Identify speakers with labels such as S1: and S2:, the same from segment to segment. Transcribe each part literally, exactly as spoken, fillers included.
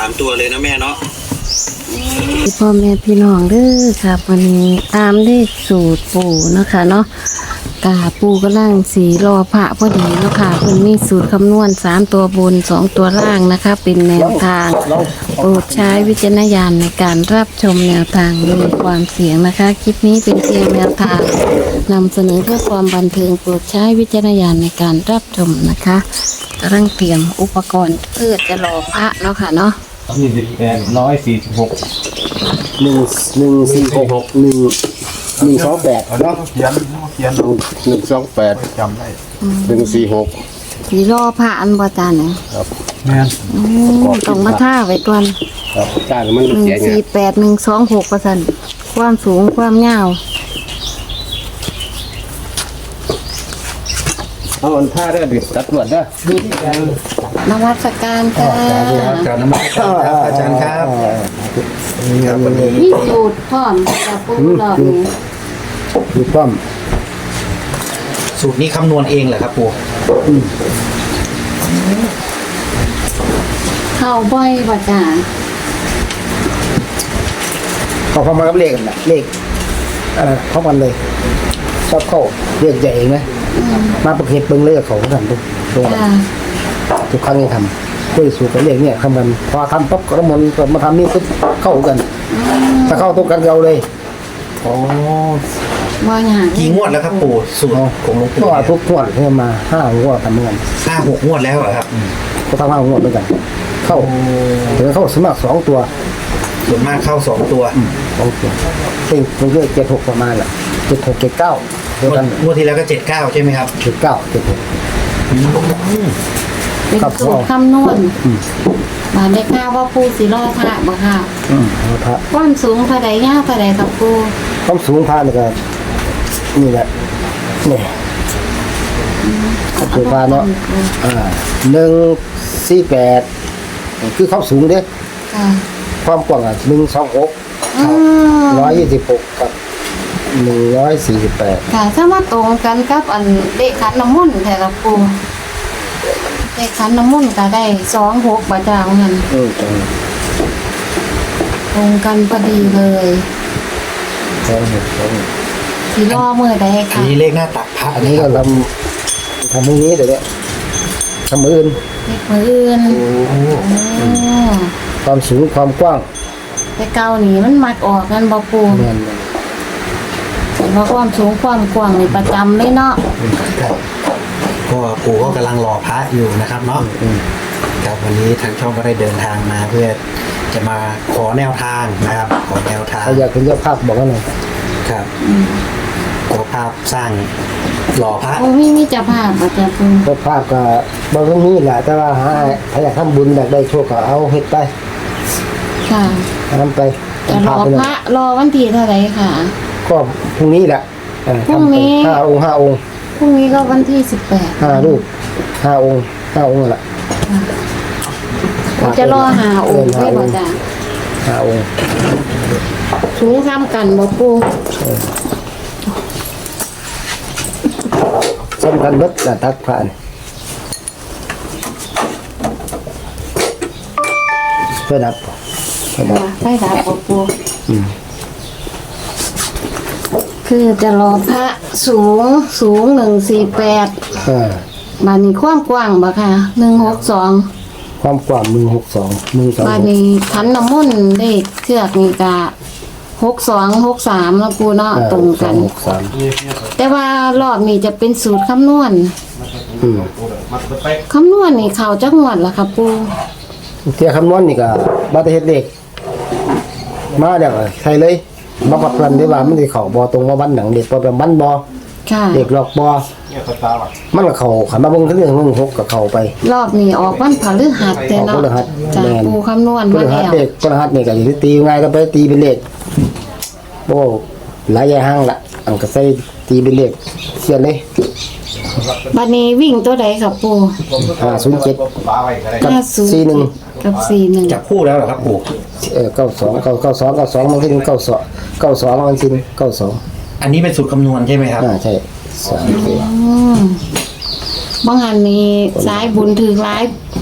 S1: ามตัวเลยนะแม่เนาะ
S2: พ่อแม่พี่น้องเด้อครับวันนี้ตามเลขสูตรปู่นะคะเนาะกาปู่กำลังสีรอพระพอดีเนาะค่ะเพิ่นมีสูตรคำนวณสามตัวบนสองตัวล่างนะคะเป็นแนวทางโปรดใช้วิจารณญาณในการรับชมแนวทางมีความเสี่ยงนะคะคลิปนี้เป็นเพียงแนวทางนำเสนอเพื่อความบันเทิงโปรดใช้วิจารณญาณในการรับชมนะคะกำลังเตรียมอุปกรณ์เพื่อจะรอพระเนาะค่ะเนาะ
S3: ยี่สิบแปดร้อยสี่สิบหก
S4: หนึ่งหนึ่งสี่หกหนึ่งหนึ่งสองแปดเนาะ
S3: เขียนเขียน
S4: หนึ่งสองแปด
S3: จำได้
S4: หนึ่งสี่หก
S2: สีรอพระอันบ่จานเนี่ย
S4: ครับ
S3: แม่น
S2: ต้องมาท่าไว้ก่อน
S4: ครับจ้างมัน
S2: หนึ่ง
S4: เสียเนี่ย
S2: สี่แปดหนึ่งสองหกเปอร์เซ็นต์ความสูงความยาว
S4: เอาอันท่าได้ดิตัดตรวจได้
S2: นวัตการค่ะ
S3: การน้ำมันครับอาจารย์ครับครับวันนี้
S2: มีสูตรพร้อมกับปูหลอดนี้
S4: ดูป้อม
S1: สูตรนี้คำนวณเองเหรอครับปู่
S2: เข้าบ่อยบ่จ้า
S4: เขาพอมากับเลขกันนะเลขเอ่อเข้ากันเลยชอบเข้าเลขใหญ่เองนะมาประเภทเบิ้งเลขเขาทำทุกตัว
S2: จ้า
S4: ทุกครั้งยังทำด้วยสูตรกับเลขเนี่ยคำมันพอทำปุ๊บก็มันก็มาทำนี่ปุ๊บเข้ากันถ้าเข้าตรงกันเราเลย
S1: อ๋อ
S2: บ่อย่าง
S1: กี่งวดแล้วครับปู่สูตรของหลวง
S4: เพ
S1: ปู่
S4: ราะว่า
S1: เนี่ย
S4: ทุกงวดเนี่ยมาห้างวดทำเหมือนกัน
S1: ห้าหกงวดแล้วเหรอครับ
S4: ก็ทำห้างวดด้วยกัน เข้าถึงเข้าสมัครสองตัว
S1: ส่วนมากเข้าสองตัว
S4: สองตัวเต็งตัวเลขเจ็ดหกประมาณแหละเจ็ดหกเจ็ดเก้าเท่าง
S1: วด
S4: กัน
S1: งวดที่แล้วก็เจ็ดเก้าใช่ไหมครับ
S4: เจ็ดเก้าเจ็ดหก
S2: เป็น
S4: ครับ
S2: สูตรคำนวณมาได้ข่าวว่าปูสีรอพระบ่ค่ะ
S4: อืมเอาพระ
S2: ความสูงเท่าใดยาวเท่าใดครับปู
S4: ความสูงพระนี่ก็นี่แหละนี่สูงพระเนาะอ่าหนึ่งสี่แปดคือความสูงเด้
S2: ค่ะ
S4: ความกว้างอ่ะหนึ่งสองหก
S2: อืม
S4: ร้อยยี่สิบหกกับหนึ่งร้อยสี่สิบแปด
S2: ค่ะถ้ามาตรงกันกับอันเลขขันน้ำมนต์แท้ครับปูเลขขันน้ำมนต์ก็ได้สองหกบ่จ้าว่างั้น
S4: เออตรง
S2: ตรงกันพอดีเลย
S4: สองหกสอง
S2: สีรอเมื่อใด
S1: อัน
S2: ค่ะ
S1: นี้เลขหน้าตักพระ
S4: อันนี้ก็ทำทำตรงนี้เดี๋ยวนี้ทำมืออื่น
S2: เลขมืออื่นโอ้
S4: ความสูงความกว้าง
S2: แต่เก่านี่มันมักออกกันบ่ปู
S4: แม่น
S2: เห็นว่าความสูงความกว้างนี่ประจำเลยเนาะ
S1: ครับก็ปู่ก็กำลังรอพระอยู่นะครับเนาะครับวันนี้ทางช่องก็ได้เดินทางมาเพื่อจะมาขอแนวทางนะครับขอแนวทาง
S4: ถ้าอยากเป็นเจ้าภาพบอกกันหน่อย
S1: ครับขอภาพสร้างหล่อพระ
S2: โอ้มีมีเจ้าภาพบ่จ้าปู
S4: เจ้าภาพก็บางเรื่องนี้แหละแต่ว่าหาถ้าอยากทำบุญอยากได้โชคก็เอาเฮ็ดไป
S2: ค่ะ
S4: ทำไป
S2: จะรอ
S4: ทำไป
S2: พระรอวันที่เท่าไหร่ค่ะ
S4: ก็พรุ่งนี้แหละเออ
S2: พรุ่งนี้
S4: ทำไปห้าองค์ห้าองค์
S2: พรุ่งนี้ก็วันที่สิบแปด
S4: ห้ารูปห้าองค์ห้าองค์นั่นแหละ
S2: จะรอหาองค์ได้บ่จ้า
S4: ห้าองค์
S2: สูงซ้ำกันบ่ปู
S4: สำคัญเบิดน่ะตักพระนี่เพื่อดับเพื่อดับ
S2: ไฟดับบ่ปู
S4: อืม
S2: คือจะรอพระสูงสูงหนึ่งสี่แปด
S4: เออ
S2: บานนี้ความกว้างบ่ค่ะหนึ่งหกสอง
S4: ความกว้างมือหกสองมือสอง
S2: บานนี้ขันน้ำมนต์ได้เชือกนี่กะหกสองหกสามแล้วปูเนาะตรงกัน
S4: หกสาม
S2: แต่ว่ารอบนี้จะเป็นสูตรคำนวณ
S4: อืม
S2: คำนวณนี่เขาจักงวดล่ะครับปู
S4: เที่ยคำนวณนี่ก็บัตรเฮ็ดเลขมาเดี๋ยวใช่เลยมาปักกันได้ว่ามันสิเข้าบ่ตรงว่าวันหนังเด็กบ่เป็นวันบ่
S2: ค่ะ
S4: เด็กหลอกบ่มันก็เข้าขันมาเบิ่งเรื่องเรื่องหกก็เข้าไป
S2: รอบนี้ออกวันพฤหัสแต่เนาะ
S4: ออกพฤหัส
S2: จาก
S4: แม่น
S2: ปูคำนวณ
S4: พ
S2: มา
S4: ฤหัส
S2: แล้ว
S4: เด็กพฤหัสนี่ก็สิตีง่ายก็ไปตีเป็นเลขโอ้หลายอย่างห้างละอันก็ใส่ตีเป็นเลขเขียนเลย
S2: บัดนี้วิ่งตัวใดครับปู
S4: ห้าศูนย์เจ็ดกับ
S2: ห้าศูนย์
S4: สี่หนึ่ง
S2: กับสี่หนึ่ง
S1: จับคู่แล้วเหรอครับปู่
S4: เออเก้าสองเก้าเก้าสองเก้าสองมันขึ้นเก้าสองเก้าสองมันขึ้นเก้าสอง
S1: อันนี้เป็นสูตรคำนวณใช่ไหมครับ
S4: อ่าใช่สามสี่
S2: อืมบางหันนี้สายบุญถือร้าย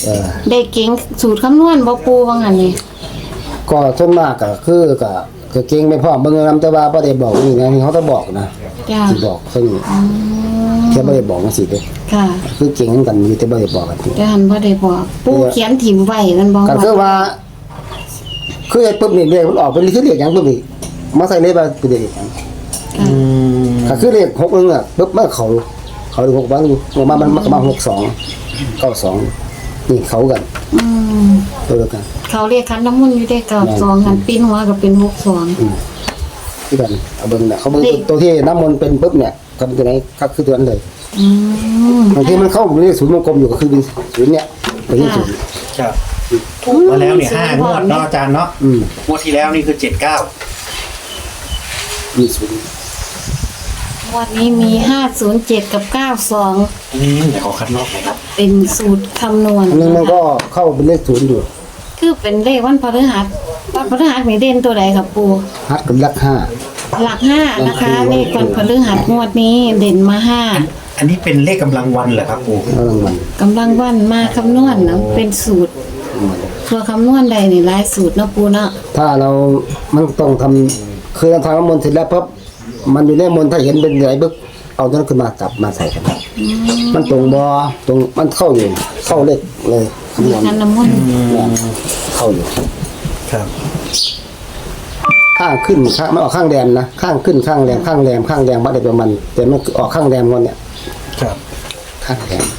S4: เออ
S2: ได้เก่งสูตรคำนวณบ่ปูว่างั้นนี่
S4: ก็ส่วนมากก็คือก็ก็เก่งไม่พร้อมเบิ่งนำแต่ว่าบ่ได้บอกนี่นะเขาต้องบอกนะ
S2: จ้า
S4: สิบอกซึ่ง
S2: อืม
S4: แค่บ่ได้บอกจังซี่เด้
S2: ค่ะ
S4: คือเก่งกันอยู่แต่บ่ได้บอกกัน
S2: จ้าหันบ่ได้บอกปูเขียนถิ่มไว้กันบ่
S4: ก็คือว่า คือไอ้ปุ๊บนี่เลขมันออกเป็นคือเลขหยังปุ๊บนี่มาใส่เลขว่าเป็นเลขหยัง
S2: ค่ะ
S1: อืม
S4: ก็คือเลขหกนึงอ่ะปุ๊บมันเขาเขาเลขหกบางอยู่มามันมันก็มาหกสองเก้าสองนี่เขากัน
S2: อืม
S4: ตัวเดียวกัน
S2: เขาเรียกคันน้ำมนต์อยู่ได้เก้าสองหันปิ้นหัวก็เป็นหกสอง
S4: คือกันเอาเบิ่งน่ะเขาเบิ่ง
S2: เลข
S4: ตัวที่น้ำมนต์เป็นปุ๊บเนี่ยก็เป็นตัวไหนก็คือตัวนั้นเลย
S2: อืม
S4: บางทีมันเข้าเลขศูนย์วงกลมอยู่ก็คือเป็นศูนย์เนี่ยเป็นที่ศูนย์
S1: ครับถูกมาแล้วเนี่ยห้างวดเนาะอาจารย์เนาะ
S4: อืม
S1: งวดที่แล้วนี่คือเจ็ดเก้า
S4: มีศูนย์
S2: วันนี้มีห้าศูนย์เจ็ดกับเก้าสอง
S1: อืมเดี๋ยวขอคัดลอกหน่อยครับ
S2: เป็นสูตรคำนวณ
S4: อันนึงมันก็เข้าเป็นเลขศูนย์อยู่
S2: คือเป็นเลขวันพฤหัสวันพฤหัสมีเด่นตัวใดครับปู
S4: ฮัดกับลักห้า
S2: หลักห้านะคะเลขวันพฤหัสงวดนี้เด่นมาห้า
S1: อันนี้เป็นเลขกำลังวันเหรอครับปู่
S4: แล้วรางวัล
S2: กำลังวันมาคำนวณเนาะเป็นสูตรตัวคำนวณใดนี่หลายสูตรเนาะปูเนาะ
S4: ถ้าเรามันต้องทำคือเราทำน้ำมนต์เสร็จแล้วปั๊บมันอยู่ในมนต์ถ้าเห็นเป็นอะไรปุ๊บเอาตัวนั้นขึ้นมาจับมาใส่กัน มันตรงบอตรงมันเข้าอยู่เข้าเลขเลยคำนวณ
S2: คันน้ำมนต์
S4: เนี่ยเข้าอยู่
S1: ครับ
S4: ข้างขึ้นข้างไม่ออกข้างแดมนะข้างขึ้นข้างแรมข้างแรมข้างแรมวัดได้ประมาณแต่มันออกข้างแรมก่อนเนี่ย
S1: ครับ
S4: ข้างแรม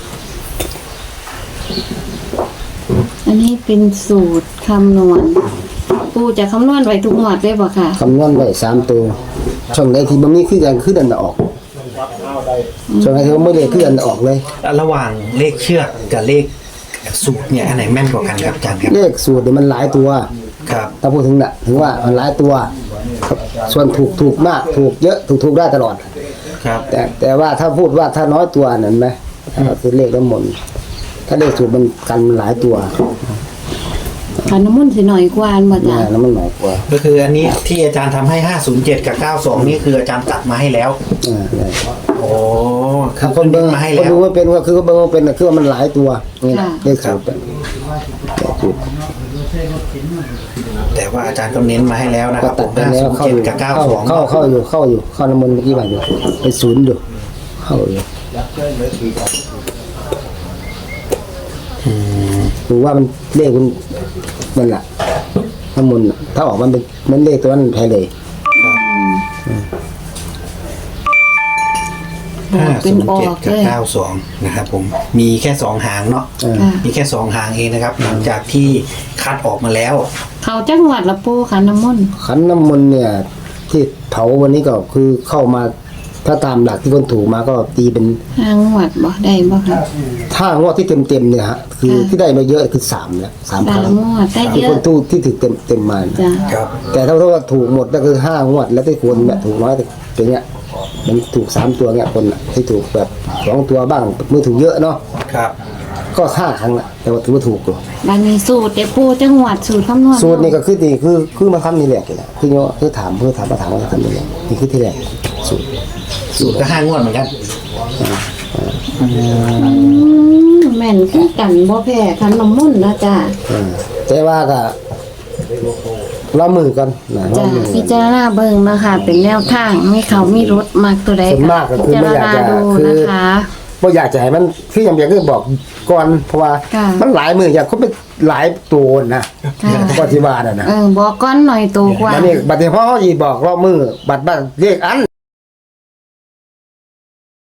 S2: อันนี้เป็นสูตรคำนวณปูจะคำนวณไว้ทุกหมวดได้บ่ค่ะ
S4: คำนวณไว้สามตัวช่องไหนที่มันมีคือกันคือเดินออกช่องไหนที่มันไม่ได้คือเดินออกเลย
S1: ระหว่างเลขเชือกกับเลขสูตรเนี่ยอันไหนแม่นกว่ากันครับอาจารย์ครับ
S4: เลขสูตรเนี่ยมันหลายตัว
S1: ครับ
S4: ถ้าพูดถึงน่ะถึงว่ามันหลายตัวครับส่วนถูกถูกมากถูกเยอะถูกถูกได้ตลอด
S1: ครับ
S4: แต่แต่ว่าถ้าพูดว่าถ้าน้อยตัวนั่นไหมก็คือเลขน้ำมนต์ถ้าเลขสูตรมันกันหลายตัว
S2: คันน้ำมนต์สิหน่อยกว่าอันบ่จ้ะ
S4: เนี่ยแล้วมันหน่อยกว่า
S1: ก็คืออันนี้ที่อาจารย์ทำให้ห้าศูนย์เจ็ดกับเก้าสองนี่คืออาจารย์ตัดมาให้แล้ว
S4: อ่าเนี่ย
S1: โอ้คือ
S4: คนเบิ่ง
S1: มาให้
S4: คน
S1: แล้ว
S4: ดูว่าเป็นว่าคือเบิ่งว่าเป็นน่ะคือว่ามันหลายตัวนี่แหละเลขสูตรเป็นเลขสูตร
S1: แต่ว่าอาจารย์ก็เน้นมาให้แล้วนะค
S4: ก็
S1: รับ
S4: ตัดไป
S1: ห้า
S4: แล้ว
S1: ศูนย์
S4: เข้า
S1: เจ็
S4: อ
S1: ด
S4: ยู่
S1: กับเก้า
S4: เข้า
S1: สอง
S4: เข้าเข้าอยู่เข้าอยู่เข้าน้ำมนต์เมื่อกี้บาทอยู่เป็นศูนย์อยู่เข้าอยู่หรือว่ามันเลขมันนั่นแหละน้ำมนต์น่ะถ้าออกมันเป็นมันเลขตัวนั้นแพ้เลย
S1: ห้า
S2: เป็
S1: ศู
S2: น
S1: นย์
S2: ออ
S1: เจ็ด
S2: ก
S1: กั
S2: เล
S1: บ
S2: ย
S1: เก้าสองนะครับผมมีแค่สองหางเนาะ
S4: เออ
S2: ค่ะ
S1: มีแค่สองหางเองนะครับหลังจากที่คัดออกมาแล้ว
S2: เขาจังหวัดละปูคันน้ำมนต์
S4: ขันน้ำมนต์เนี่ย ที่เผาวันนี้ก็คือเข้ามาถ้าตามหลักที่คนถูกมาก็ตีเป็น
S2: ห้างหวัดบ่ได้บ่ค่ะ
S4: ถ้างวดที่เต็มเต็มๆเนี่ยฮะคือ
S2: ค่ะ
S4: ที่ได้มาเยอะคือสามแล้วสามค
S2: สา
S4: รั้
S2: ม
S4: ง
S2: งวดได้
S4: ที่
S2: เย
S4: ค
S2: อะ
S4: นทูที่ถือเต็มเต็มๆมา
S2: จ้ะ
S1: ครับ
S4: แต่ถ้าว่าถูกหมดก็คือห้างวด แล้วที่คนเนี่ยถูกน้อยแต่เนี้ยมันถูกสามตัวเนี่ยคนน่ะที่ถูกแบบสองตัวบ้างมือถูกเยอะเนาะ
S1: ครับ
S4: ก็ห้าครั้งละแต่ว่าถือว่าถูกอยู่
S2: บัดนี้สูตรแต่ปูจังหวัดสูตรคำนวณ
S4: สูตรนี่ก็คือนี่คือคือมาทำนี่แหละนี่แหละคือเนาะคือถามเพื่อถามมาถามว่าจะทำยังไงนี่คือที่แรกสูตร
S1: สูตรก็ห้างวดเหมือนกัน
S2: อืมแม่นคือกันบ่แพ้คันน้ำมนต์นะจ้ะ
S4: อ่าแต่ว่าก็เรามือกันนะเรา
S2: จ้ะ
S4: มือ
S2: พิ
S4: กัน
S2: จารณาเบิ่งนะคะ เป็นแนวทางมีเขามีรถมากตัวใด
S4: ส่วนมากก็คือไม่อยากจะ
S2: พิจารณาดู
S4: คือ
S2: นะคะ
S4: บ่อยากจะให้มันคืออย่างเดียวคือบอกก่อนเพราะว่า
S2: ค่ะ
S4: มันหลายมืออยากเขาเป็นหลายตัวนะ
S2: ค่ะ
S4: ก็ที่ว่าน่ะนะ
S2: เออบอกก้อนหน่อยโตกว่า
S4: บัดนี้บัดนี้พอเขาสิบอกรอบมือบัดบัดเรียกอัน